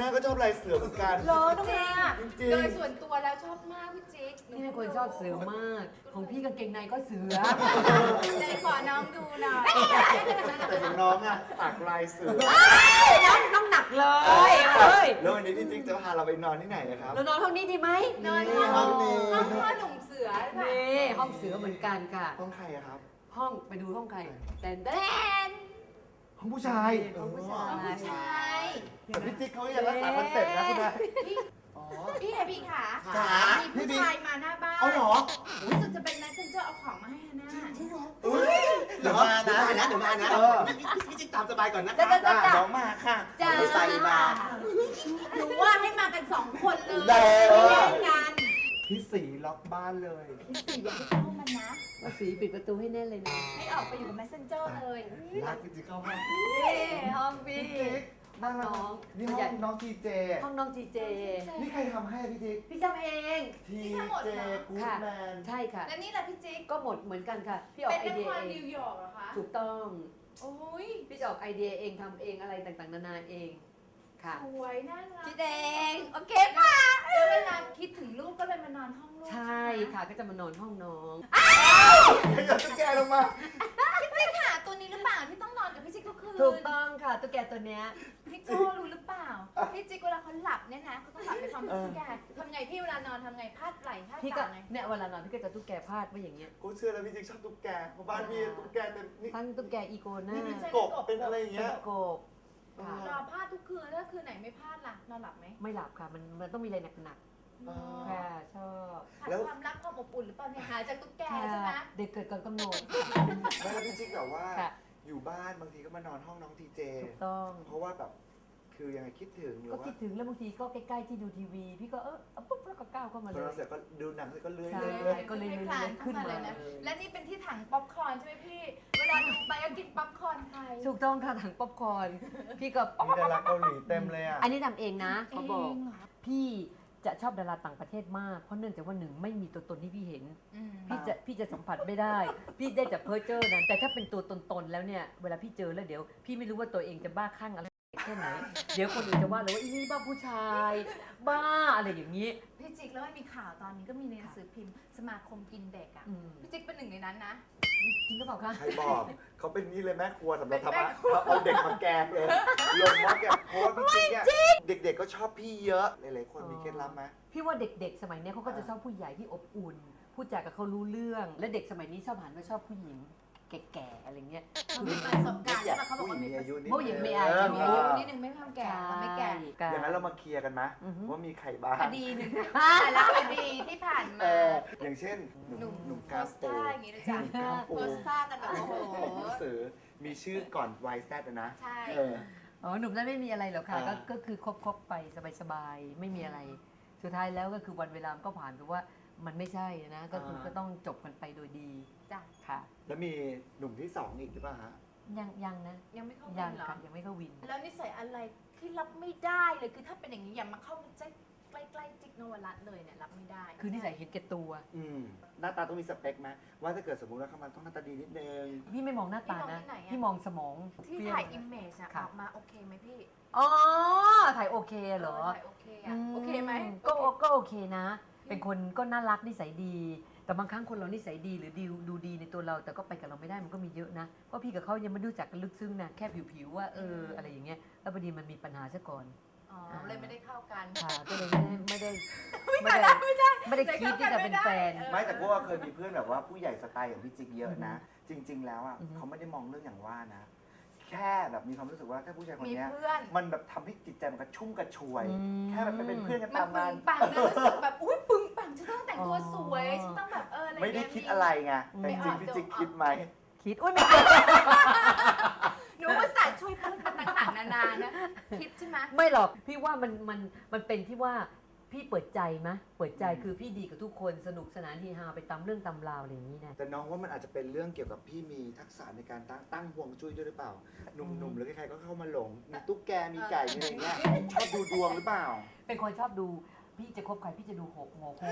Speaker 3: น้าก็ชอบลายเสือเหมือนกัน
Speaker 5: เหรอน้องนา
Speaker 3: จริง
Speaker 2: โดยส่วนตัวแล้วชอบมากพี่จิ๊ก
Speaker 5: พี่เป็นคนชอบเสือมาก ของพี่กางเกงในก็เสือ
Speaker 2: ไหนขอน้องดูหน่อย
Speaker 3: แต่ของน้องอะสักลายเสือ
Speaker 5: น้องหนักเลยเอ้ย
Speaker 3: แล้ววันนี้พี่จิ๊กจะพาเราไปนอนที่ไหนอะครับ
Speaker 5: เรานอนห้องนี้ดีไหม
Speaker 2: นอนห้องห้องพ่อหนุ่มเสือค่ะ
Speaker 5: นี่ห้องเสือเหมือนกันค่ะ
Speaker 3: ห้องใครอะครับ
Speaker 5: ห้องไปดูห้องใครแต่แดน
Speaker 3: ห้องผู้ชาย
Speaker 5: ห้องผู้ชา
Speaker 2: ห้องผู้
Speaker 5: ย
Speaker 2: ชาย
Speaker 3: แต่พี่จิ๊กเขายังรักษาคอนเซ็ปต์นะคุณนาย
Speaker 4: อ๋อ
Speaker 2: พี่เอบีค่ะ
Speaker 4: จ๋า
Speaker 2: มีผู้ชายมาหน้าบ้าน
Speaker 4: เอาเหรอ
Speaker 2: รู้สึกจะเป็น messenger เอาของมาให้ฮาน่า
Speaker 4: อุ้ยเดี๋ยวมานะเดี๋ยวมานะ
Speaker 3: เออ
Speaker 4: พี่จิ๊กตามสบายก่อนนะ
Speaker 5: จ้ะจ้ะจ้ะ
Speaker 3: น้องมาค่ะ
Speaker 5: จ้า
Speaker 4: ไม่ใส่มา
Speaker 2: หนูว่าให้มากัน2 คนเลย
Speaker 4: ได้
Speaker 2: ไม่แย่งกัน
Speaker 3: พี่สีล็อกบ้านเลย
Speaker 2: พี่สีอย่าไปเข้ามันนะ
Speaker 5: ว่าสีปิดประตูให้แน่นเลยนะ
Speaker 2: ให้ออกไปอยู่กับ messenger เลย
Speaker 3: รักพี่จิ๊กเข้าห้อง
Speaker 5: นี่ห้องพี่
Speaker 3: พี่จิ๊กน่ารัก
Speaker 5: น้อง
Speaker 3: นี่ห้องน้องทีเจ
Speaker 5: ห้องน้องจีเจ
Speaker 3: นี่ใครทำให้พี่จิ๊ก
Speaker 5: พี่จำเอง
Speaker 3: ทีเจกู๊ด
Speaker 5: ค่ะ
Speaker 3: แมน
Speaker 5: ใช่ค่ะ
Speaker 2: และนี่แหละพี่จิ๊ก
Speaker 5: ก็หมดเหมือนกันค่ะ พี่ออ
Speaker 2: เป็
Speaker 5: ก
Speaker 2: น
Speaker 5: ไอ
Speaker 2: นัก
Speaker 5: เดีย
Speaker 2: ความ
Speaker 5: เอ
Speaker 2: นิ
Speaker 5: ง
Speaker 2: วยอร์กเหรอคะ
Speaker 5: ถูกต้อง
Speaker 2: โอ้ย
Speaker 5: พี่จะออกไอเดียเองทำเองอะไรต่างๆนานาเองค่ะ
Speaker 2: สวยน่ารัก
Speaker 5: พี่แดง
Speaker 2: โอเคป่ะแล้วเวลาคิดถึงลูกก็เลยมานอนห้องลูก
Speaker 5: ใช่ค่ะก็จะมานอนห้องน้อง
Speaker 3: ขยับตุ๊กแกลงมา
Speaker 2: พี่จิ๊กหาตัวนี้หรือเปล่าที่ต้องนอนกับพี่จิ๊กทุกคืน
Speaker 5: ถูกต้องค่ะตุ๊กแกตัวเนี้ย
Speaker 2: พี่โก้รู้หรือเปล่า พี่จิ๊กเวลาเขาหลับเนี่ยนะเขาต้องหลับไปพร้อมกับตุ๊กแกทำไงพี่เวลานอนทำไงพาดไหล่พาด
Speaker 5: พี่ก็
Speaker 2: บ่าไง
Speaker 5: เนี่ยเวลานอนพี่ก็จะตุ๊กแกพาดไว้อย่างเงี้ย
Speaker 3: กูเชื่อแล้วพี่จิ๊กชอบตุ๊กแกเพราะบ้านพี่ตุ๊กแกเต็มนี่
Speaker 5: ตั้งตุ๊กแกอีโกน่า
Speaker 3: นี่เป็นกบเป็นอะไรอย่าง
Speaker 5: เป็
Speaker 3: เงี้
Speaker 5: น
Speaker 3: ย
Speaker 5: กบค่ะ
Speaker 2: รอพาดทุกคืนถ้าคืนไหนไม่พาดล่ะนอนหลับไหม
Speaker 5: ไม่หลับค่ะมันต้องมีอะไรหนัก
Speaker 3: อ๋อ
Speaker 5: ๆค่ะชอบ
Speaker 2: ขาด
Speaker 3: แล้ว
Speaker 2: ความรักความอบอุ่นหรือเปล่าเนี่ยหาจากตุ๊กแก
Speaker 5: ค่ะ
Speaker 2: ใช่ไหม
Speaker 5: เด็กเกิดก่อนกำหนด
Speaker 3: ไม่แล้วพี่จิ๊กแบบว่า
Speaker 5: ค่ะ
Speaker 3: อยู่บ้านบางทีก็มานอนห้องน้องทีเจ
Speaker 5: ถูกต้อง
Speaker 3: เพราะว่าแบบคือยังไงคิดถึงหรือ
Speaker 5: ก็
Speaker 3: ว่า
Speaker 5: คิดถึงแล้วบางทีก็ใกล้ๆที่ดูทีวี พี่ก็เอาปุ๊บแล้วก็ก้าวเข้ามา
Speaker 3: ต
Speaker 5: เล
Speaker 3: อน
Speaker 5: ย
Speaker 3: เราเสร็จก็ดูหนังเสร็จก็เลื่อย
Speaker 5: ใช่
Speaker 3: เลื่อย
Speaker 5: ก็เลย
Speaker 2: คลาน
Speaker 5: ขึ้
Speaker 2: เข้าน มา
Speaker 5: มา
Speaker 2: เลยนะ
Speaker 5: เลย
Speaker 2: และนี่เป็นที่ถังป๊อปคอร์นใช่ไหมพี่ เวลาดูไปก็กินป๊อปคอร์นใคร
Speaker 5: ถูกต้องค่ะถังป๊อปคอร์นพี่ก็
Speaker 3: มีดาราเกาหลีเต็มเลยอ่ะ
Speaker 5: อันนี้ทำเองนะเขาบอก
Speaker 2: เงเหรอ
Speaker 5: พี่จะชอบดาราต่างประเทศมาก เพราะเนื่องจากว่าหนึ่งไม่มีตัวตนที่พี่เห็น
Speaker 2: อืม
Speaker 5: พี่จะสัมผัสไม่ได้ พี่ได้แต่เพ้อเจ้อนะแต่ถ้าเป็นตัวตนๆแล้วเนี่ยเวลาพี่เจอแล้วเดี๋ยว พี่ไม่รู้ว่าตัวเองจะบ้าคลั่งอะไรแค่ไหน เดี๋ยวคนอื่นจะว่าเลยว่าอีนี่บ้าผู้ชาย บ้าอะไรอย่างนี้
Speaker 2: พี่จิ๊กแล้วมันมีข่าวตอนนี้ก็มีในหนังสือพิมพ์สมาคมกินเด็กอ่ะ
Speaker 5: อืม
Speaker 2: พี่จิ๊กเป็นหนึ่งในนั้นนะ
Speaker 5: จริงหรือเปล่าคะ
Speaker 3: ใครบอกเขาเป็นนี่เลยแม่ครัวสำหรับ
Speaker 2: เป็น
Speaker 3: ทำ
Speaker 2: แม่
Speaker 3: อะ
Speaker 2: ครัว
Speaker 3: เอาเด็กมาแกงเลยลงมาแกงเพราะว่าพี่จิ๊กเนี่ยเด็กๆก็ชอบพี่เยอะหลายๆคนมีเคล็ดลับไหม
Speaker 5: พี่ว่าเด็กๆ สมัยเนี้ยเขาก็จะชอบผู้ใหญ่ที่อบอุ่น พูดจากับเขารู้เรื่อง และเด็กสมัยนี้ชอบหันมาชอบผู้หญิงแก่ๆอะไรเงี้ย
Speaker 2: เขามีประสบการณ์ใช่ปะเขาบอกว่ามี
Speaker 3: ผู้หญิงมีอายุนิด
Speaker 5: ผู้หญิงมีอายุ
Speaker 2: มีอายุนิดนึงไม่ทำแก่เขาไม่แก่
Speaker 3: อย่างนั้นเรามาเคลียร์กันไหม
Speaker 5: อือฮึ
Speaker 3: ว่ามีใครบ้าง
Speaker 2: คดีหนึ่งแต่ละคดีที่ผ่าน
Speaker 3: เอ
Speaker 2: มา
Speaker 3: ออย่างเช่นหนุ่ม
Speaker 2: หนุ่ม
Speaker 3: กา
Speaker 2: โพ
Speaker 3: ส
Speaker 2: ส
Speaker 3: โต
Speaker 2: ท่าอย่างนี้นะจ๊ะ
Speaker 3: กาโป
Speaker 2: โพสท่ากันแบบโอ้โห
Speaker 3: หนังสือมีชื่อก่อน YZ อะนะ
Speaker 2: ใช่
Speaker 3: เออ
Speaker 5: อ๋อหนุ่มนั้นไม่มีอะไรหรอกค่ะ
Speaker 3: อ่า
Speaker 5: ก็คือคบไปสบายๆไม่มีอะไร สุดท้ายแล้วก็คือวันเวลามันก็ผ่านไปว่ามันไม่ใช่นะก็คือก็ต้องจบกันไปโดยดี
Speaker 2: จ้ะ
Speaker 5: ค่ะ
Speaker 3: แล้วมีหนุ่มที่สองอีกหรือเปล่าฮะ
Speaker 5: ยังนะ
Speaker 2: ยังไม่เข้า
Speaker 5: ยั
Speaker 2: วิ
Speaker 5: ง
Speaker 2: นเหรอ
Speaker 5: ค่ะยังไม่เข้าวิน
Speaker 2: แล้วนิสัยอะไรที่รับไม่ได้เลยคือถ้าเป็นอย่างนี้อย่ามาเข้าใกล้ๆจิ๊กนวรัตน์เลยเนี่ยรับไม่ได้
Speaker 5: คือนิสัยเห็นแก่ตัว
Speaker 3: หน้าตาต้องมีสเปคไหมว่าถ้าเกิดสมมติว่าเขามันต้องหน้าตาดีนิดนึง
Speaker 5: พี่ไม่มองหน้าตานะพี่มองสมอง
Speaker 2: ที่
Speaker 5: เปรี้ว
Speaker 2: ถ่ายอิมเมจอะอ
Speaker 5: ค่ะ
Speaker 2: อกมาโอเคไหมพี่
Speaker 5: อ๋อถ่ายโอเคเหรอ
Speaker 2: ถ่ายโอเคอะโอเคไหม
Speaker 5: ก็โอเคนะ เป็นคนก็น่ารักนิสัยดี แต่บางครั้งคนเรานิสัยดีหรือดูดีในตัวเรา แต่ก็ไปกับเราไม่ได้มันก็มีเยอะนะ เพราะพี่กับเขายังไม่รู้จักกันลึกซึ้งนะแค่ผิวๆว่าอะไรอย่างเงี้ยแล้วพอดีมันมีปัญหาซะก่อน
Speaker 2: อ๋อเลยไม่ได้เข้ากัน
Speaker 5: ค่ะก็เลยไม่ได้คิดที่จะเป็นแฟน
Speaker 3: ไม่แต่พวกเคยมีเพื่อนแบบว่าผู้ใหญ่สไตล์อย่างพี่จิ๊กเยอะนะ จริง ๆ แล้วอ่ะ
Speaker 5: อือฮึ
Speaker 3: เขาไม่ได้มองเรื่องอย่างว่านะ แค่แบบมีความรู้สึกว่าถ้าผู้ชายคน
Speaker 2: มี
Speaker 3: เนี้ย
Speaker 2: เพื่อน
Speaker 3: มันแบบทำให้จิตใจมันกระชุ่มกระชวย แค่แบบไปเป็นเพื่อนกัน
Speaker 2: มัน
Speaker 3: ตาม
Speaker 2: ปึ
Speaker 3: งาง น
Speaker 2: ปังนะรู้สึกแบบอุ้ยปึงปังฉันต้องแต่งตัวสวยฉันต้องแบบอะไร
Speaker 3: ไม่ได้คิดอะไรไงแต่จริงๆพี่จิ๊กคิดไหม
Speaker 5: คิดอุ้ยไม่
Speaker 2: หนูภาษาห์ช่วยพูดมันต่างๆนานานะคิดใช่ไหม
Speaker 5: ไม่หรอกพี่ว่ามันเป็นที่ว่าพี่เปิดใจมะเปิดใจคือพี่ดีกับทุกคนสนุกสนานเฮฮาไปตามเรื่องตามราวอะไรอย่างนี้นะ
Speaker 3: แต่น้องว่ามันอาจจะเป็นเรื่องเกี่ยวกับพี่มีทักษะในการตั้งห่วงจุ้ยด้วยหรือเปล่า หนุ่มๆหรือใครๆก็เข้ามาหลง มีตุ๊กแก มีไก่ มีอะไรเงี้ย ชอบดูดวงหรือเปล่า
Speaker 5: เป็นคนชอบดูพี่จะคบใครพี่จะดูหกโงโค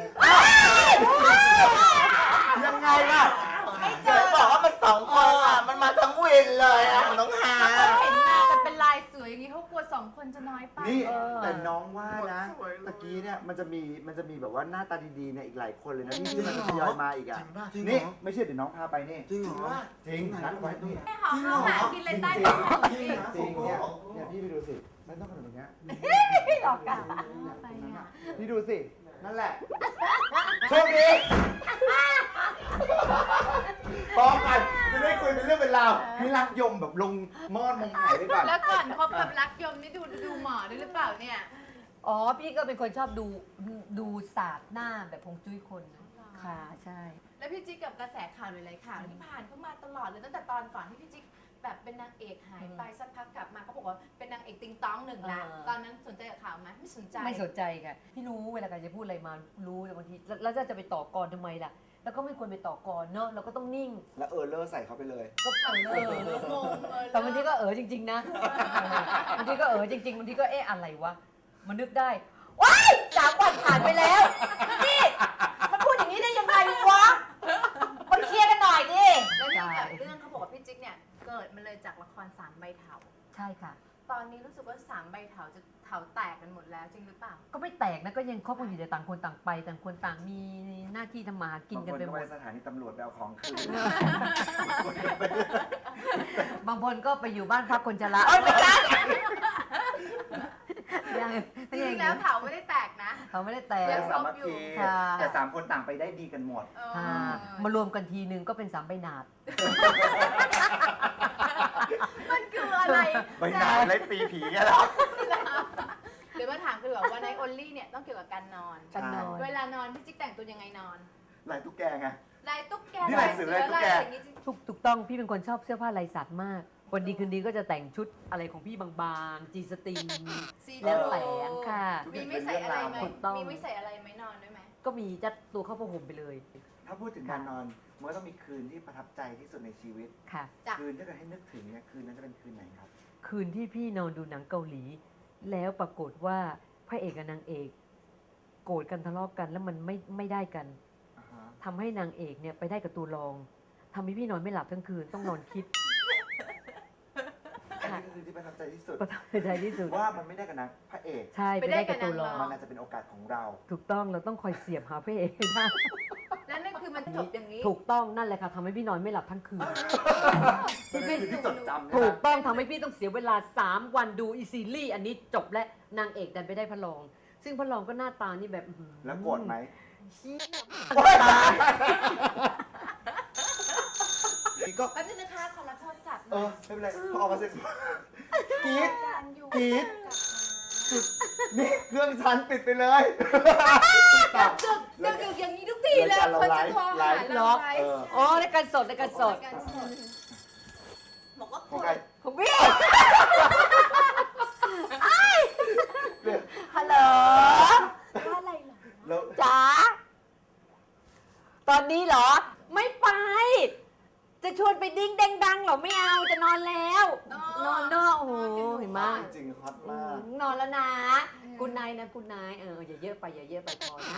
Speaker 3: ยังไงล่ะ
Speaker 2: ไม่เจ
Speaker 4: เจอ
Speaker 2: อ
Speaker 4: บอกว่ามันสองคนอ่ะ มันมาทั้งวินเลยอ่ะน้องหา
Speaker 2: เห็นมาแต่เป็นลายสวยอย่างนี้เขากลัวส 2 คนจะน้อยไป
Speaker 3: นี่
Speaker 5: เออ
Speaker 3: แต่น้องว่านะตะกี้เนี่ยมันจะมีแบบว่าหน้าตาดีๆเนี่ยอีกหลายคนเลยนะที่มันจะทยอยมาอีกอ่ะ
Speaker 4: จริงเหรอ
Speaker 3: นี่ไม่เชื่อเดี๋ยวน้องพาไปนี่
Speaker 4: จริงเหรอ
Speaker 3: จริงนัดไว้นี่
Speaker 2: ให้หอมเข้าหากินเลยใต้
Speaker 3: จริ
Speaker 2: ต้
Speaker 3: ง
Speaker 2: นหอม
Speaker 3: จริง
Speaker 2: สิ
Speaker 3: จริงเนี่ยพี่ไปดูสิไม่ต้องขนาดนี้
Speaker 2: หลอกกันไปอ่ะ
Speaker 3: พี่ดูสินั่นแหละโชคดีพร้อมกันจะได้คุยเป็นเรื่องเป็นราวให้รักยมแบบลงมอดมงหายไปก่อน
Speaker 2: แล้วก่อนคบกับรักยมนี่ดูหมอด้วยหรือเปล่าเนี่ย
Speaker 5: อ๋อพี่ก็เป็นคนชอบดูศาสตร์หน้าแบบพงจุ้ยคนนะค่ะใช่
Speaker 2: แล้วพี่จิ๊กกับกระแสข่าวหลายๆข่าวที่ผ่านเข้ามาตลอดเลยตั้งแต่ตอนก่อนที่พี่จิ๊กแบบเป็นนางเอกหายไปสักพักกลับมาเขาบอกว่าเป็นนางเอกติงต้องหนึ่งละตอนนั้นสนใจกับข่าวไหมไม่สนใจ
Speaker 5: ไม่สนใจค่ะพี่รู้เวลาใครจะพูดอะไรมารู้แต่บางทีแล้วจะไปต่อกรทำไมล่ะ แล้วก็ไม่ควรไปต่อกรเนอะเราก็ต้องนิ่ง
Speaker 3: แล้วเลอร์ใส่เขาไปเลย
Speaker 5: ก็เออ
Speaker 2: งง
Speaker 5: แต่บางทีก็จริงๆนะบางทีก็จริงๆบางทีก็อะไรวะมันนึกได้ว้าย3 วันผ่านไปแล้วนี่มันพูดอย่างนี้ได้ยังไงวะมันเคลียร์กันหน่อยดิ
Speaker 2: แล้วเรื่องแบบเรื่องเขาบอกว่าพี่จิ๊กเนี่ยเกิดมาเลยจากละคร3 ใบเถา
Speaker 5: ใช่ค่ะ
Speaker 2: ตอนนี้รู้สึกว่า3 ใบเถาจะเถาแตกกันหมดแล้วจริงหรือเปล่า
Speaker 5: ก็ไม่แตกนะก็ยังคบกันอยู่แต่ต่างคนต่างไปต่างคนต่างมีหน้าที่ทำมาหากินกันไปหม
Speaker 3: บางค
Speaker 5: ด
Speaker 3: ไปสถานีตำรวจไปเอาของคืน
Speaker 5: บางคนก็ไปอยู่บ้านพักคนชราเอ้ยไม่ใช่ยัง
Speaker 2: จริงๆแล้วเถาไม่ได้แตกนะ
Speaker 5: เขาไม่ได้แต
Speaker 2: ยั
Speaker 5: ก
Speaker 2: ง
Speaker 3: สามัคคี
Speaker 5: ค่ะ
Speaker 3: แต่3 คนต่างไปได้ดีกันหมด
Speaker 5: ค่ะมารวมกันทีนึงก็เป็น3 ใบหนาด
Speaker 2: มันคืออะไร
Speaker 3: ไปนานเลยตีผีกันแล้ว
Speaker 2: เดี๋ยวมาถามกันดีกว่าว่าใน only เนี่ยต้องเกี่ยวกับการนอน
Speaker 5: กันนอน
Speaker 2: เวลานอนพี่จิ๊กแต่งตัวยังไงนอน
Speaker 3: ลายตุ๊กแกไง
Speaker 2: ลายตุ๊กแก
Speaker 3: นี่ลายเสือลายตุ๊กแก
Speaker 2: ลายอย่างนี้จริง
Speaker 5: ถูกต้องพี่เป็นคนชอบเสื้อผ้าลายสัตว์มาก วันดีคืนดีก็จะแต่งชุดอะไรของพี่บางๆจีสตรีน
Speaker 2: สี
Speaker 5: แล้วแต่งค่ะ
Speaker 2: มีไม่ใส่อะไรไหม
Speaker 5: ถูกต้อง
Speaker 2: มีไม่ใส่อะไรไหมนอนด้วยไหม
Speaker 5: ก็มีจัดตัวเข้าผ้าห่มไปเลย
Speaker 3: ถ้าพูดถึงการนอนมันก็ต้องมีคืนที่ประทับใจที่สุดในชีวิต
Speaker 5: ค่ะ
Speaker 2: จ้ะ
Speaker 3: คืนถ้าเกิดให้นึกถึงเนี่ยคืนนั้นจะเป็นคืนไหนครับ
Speaker 5: คืนที่พี่นอนดูหนังเกาหลี แล้วปรากฏว่าพระเอกกับนางเอก โกรธกันทะเลาะกันแล้วมันไม่ได้กัน
Speaker 3: อ่าฮะ
Speaker 5: ทำให้นางเอกเนี่ยไปได้กับตัวรองทำให้พี่นอนไม่หลับทั้งคืนต้องนอนคิด
Speaker 3: อันนี้คือที่ประทับใจที่สุด
Speaker 5: ประทับใจที่สุด
Speaker 3: ว่ามันไม่ได้กับนางพระเอก
Speaker 5: ใช่ไปได้กับตัวรอง
Speaker 3: มันอาจจะเป็นโอกาสของเรา
Speaker 5: ถูกต้องเราต้องคอยเสียบหาพระเอกให้ได้
Speaker 2: แล้วนั่นคือมันจบอย่างนี้
Speaker 5: ถูกต้องนั่นแหละค่ะทำให้พี่นอนไม่หลับทั้งคืน
Speaker 3: เป็นคืนที่จดจำนะ
Speaker 5: ถูกต้องทำให้พี่ต้องเสียเวลา 3 วันดูอีซีรีส์อันนี้จบและนางเอกดันไปได้พระรอง ซึ่งพระรองก็หน้าตานี่แบบอื้อหือ
Speaker 3: แล้วโกรธไหม
Speaker 5: เชี่ย
Speaker 3: นี่ก็
Speaker 2: แป๊บนึงนะคะขอรับโทรศัพท์ห
Speaker 3: เอ
Speaker 2: น่อ
Speaker 3: อย ไม่เป็นไรพอออกมาเสร็จกรี๊ด
Speaker 2: การอยู่
Speaker 3: กรี๊ด นี่เครื่องฉันปิดไปเลย
Speaker 2: ดึกอย่างนี้ทุกทีเลยคนจะโทรหาเราไลฟ์
Speaker 5: อ๋อรายการสดรายการสด
Speaker 2: บอกว่า
Speaker 3: ของใคร
Speaker 5: ของพี่ฮัลโหล
Speaker 2: ว่าอะไรเหรอ
Speaker 3: แล้ว
Speaker 5: จ๋าตอนนี้เหรอ ไม่ไป จะชวนไปดิ้งเด้งดังเหรอไม่เอาจะนอนแล้ว นอนเนอะโอ้โหเห็นไหม
Speaker 3: จริงๆฮอตมาก
Speaker 5: นอนแล้วนะคุณนายนะคุณนายอย่าเยอะไปอย่าเยอะไปพอนะ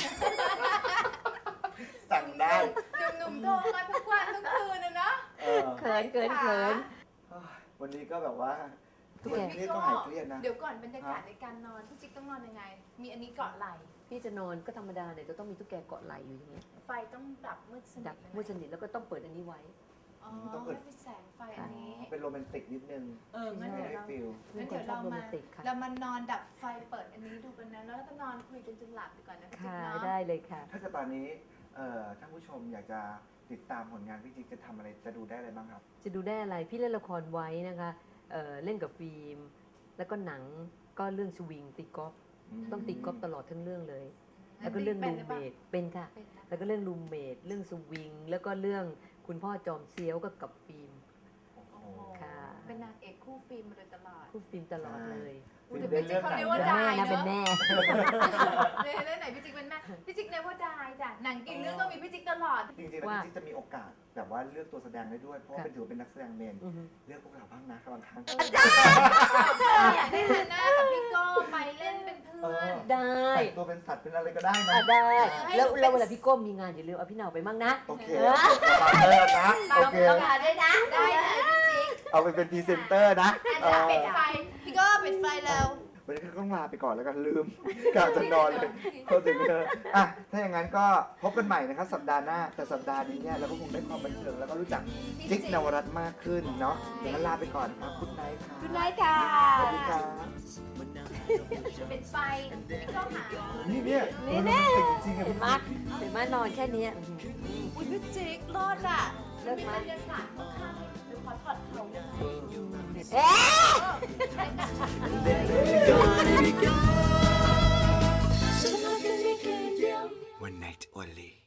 Speaker 3: สั่งได้
Speaker 2: หนุ่มๆโทรมาทุกวันทุกคืนนะเนาะ
Speaker 3: เออ
Speaker 5: เขินเขินเขิน
Speaker 3: วันนี้ก็แบบว่า
Speaker 5: ทุกแก
Speaker 3: นี่ก็หายเครียดนะ
Speaker 2: เดี๋ยวก่อนบรรยากาศในการนอนพี่จิ๊กต้องนอนยังไง มีอันนี้เกาะไหล่
Speaker 5: พี่จะนอนก็ธรรมดาเนี่ยจะต้องมีตุ๊กแกเกาะไหลอยู่อย่างเงี้ย
Speaker 2: ไฟต้องดับมืดสนิ
Speaker 5: ดั
Speaker 2: ท
Speaker 5: บ
Speaker 2: เลย
Speaker 5: มืดสนิทแล้วก็ต้องเปิดอันนี้ไว้
Speaker 2: อ๋อ
Speaker 3: ต้องเปิด
Speaker 2: ไม่มีแสงไฟอันนี้
Speaker 3: เป็นโรแมนติกนิดนึง
Speaker 2: งั้น
Speaker 3: ไม่
Speaker 2: เดี๋ยว
Speaker 3: ได้
Speaker 2: เรา
Speaker 3: ฟิล
Speaker 2: งั้น
Speaker 5: เป็นคน
Speaker 2: เดี๋ยว
Speaker 5: ชอบ
Speaker 2: เรา
Speaker 5: โรแม
Speaker 2: มาน
Speaker 5: ติกค่ะ
Speaker 2: เรามานอนดับไฟเปิดอันนี้ดูกันนะแล้วก็นอนคุยกันจนหลับดีกว่านะพี่จิ๊ก
Speaker 5: ค่ะ
Speaker 2: เนาะ
Speaker 5: ได้เลยค่ะ
Speaker 3: ถ้าเกิดตอนนี้ท่านผู้ชมอยากจะติดตามผลงานพี่จิ๊กจะทำอะไรจะดูได้อะไรบ้างครับ
Speaker 5: จะดูได้อะไรพี่เล่นละครไว้นะคะเล่นกับฟิล์มแล้วก็หนังก็เรื่องสวิงตีกอล์ฟต้องตีกอล์ฟตลอดทั้งเรื่องเลย แล้วก็เรื่อง
Speaker 2: ป็
Speaker 5: รู
Speaker 2: นห
Speaker 5: ม
Speaker 2: ป
Speaker 5: เม
Speaker 2: ล่า
Speaker 5: ทเป็นค่ะ
Speaker 2: เป็นนะ
Speaker 5: แล้วก็เรื่องรูมเมทเรื่องสวิงแล้วก็เรื่องคุณพ่อจอมเซียวก็กับฟิล์ม
Speaker 3: โอ้โห
Speaker 2: โอ้โห
Speaker 5: ค่ะ
Speaker 2: เป็นนางเอกคู่ฟิล์มมาโดยตลอด
Speaker 5: คู่ฟิล์มตลอดเลย
Speaker 2: พูดถึงพี่จิ๊กเขาเรียกว่า
Speaker 5: เป็น
Speaker 2: ดา
Speaker 5: แม่
Speaker 2: ย
Speaker 5: นะ
Speaker 2: เน
Speaker 5: เป็น
Speaker 2: อะ
Speaker 5: แม่
Speaker 2: เรื่องไหนพี่จิ๊กเป็นแม่พี่จิ๊กเรียกว่าดายจ้ะหนังกี่เรื่องต้องมีพี่จิ๊กตลอด
Speaker 3: จริงๆแล้ว
Speaker 5: ว่า
Speaker 3: พี่จิ๊กจะมีโอกาสแบบว่าเลือกตัวแสดงได้ด้วย เพราะว่าเป็นถือว่าเป็นนักแสดงเมน
Speaker 5: อือฮึ
Speaker 3: เลือกพวกเราบ้างนะบางครั้ง
Speaker 2: อยากได้ฮันน่ากับพี่โก้ไปเล่นเป็นเพื่อน
Speaker 5: ได้
Speaker 3: แต่งตัวเป็นสัตว์เป็นอะไรก็ได้นะ
Speaker 5: ได้
Speaker 2: ให้
Speaker 5: แล้ว
Speaker 2: หนูเป็น
Speaker 5: แล้วเวลาพี่ก้มมีงานอย่าลืมเอาพี่เหนาไปมั่งนะ
Speaker 3: โอเค
Speaker 5: เออ
Speaker 3: มาเลิกนะโอเค
Speaker 2: ต้องการด้วยนะได้เลยพี่จิ๊ก
Speaker 3: เอาไปเป็นพรีเซนเตอร์นะ
Speaker 2: อันจะปิดไฟพี่โก้ปิดไฟแล้ว
Speaker 3: วันนี้ก็ต้องลาไปก่อนแล้วกันลืม กะจะนอนเลยก็ถึงอ่ะถ้าอย่างนั้นก็พบกันใหม่นะครับสัปดาห์หน้าแต่สัปดาห์นี้เนี่ยเราก็คงได้ความบันเทิงแล้วก็รู้จักจิ๊กนวรัตน์มากขึ้นเนาะเดี๋ยวนั้นลาไปก่อนนะครับคุณนายค่ะ
Speaker 2: คุณนายค่ะ
Speaker 3: สวัสดีครับ
Speaker 2: ปิดไฟพี่โก้หา
Speaker 3: นี่เนี่ย
Speaker 5: นี่แน่
Speaker 3: จริงๆอะ
Speaker 5: เห็นไหมเห็นไหมนอนแค่เนี้ย
Speaker 2: อุ้ยพี่จิ๊กรอดอ่ะ
Speaker 5: เลิศ
Speaker 2: มี
Speaker 5: มาก
Speaker 2: บรรยากาศข้างๆเดี๋ยวขอถอดเขาหน่อย
Speaker 5: เอ๊ะ
Speaker 1: One night only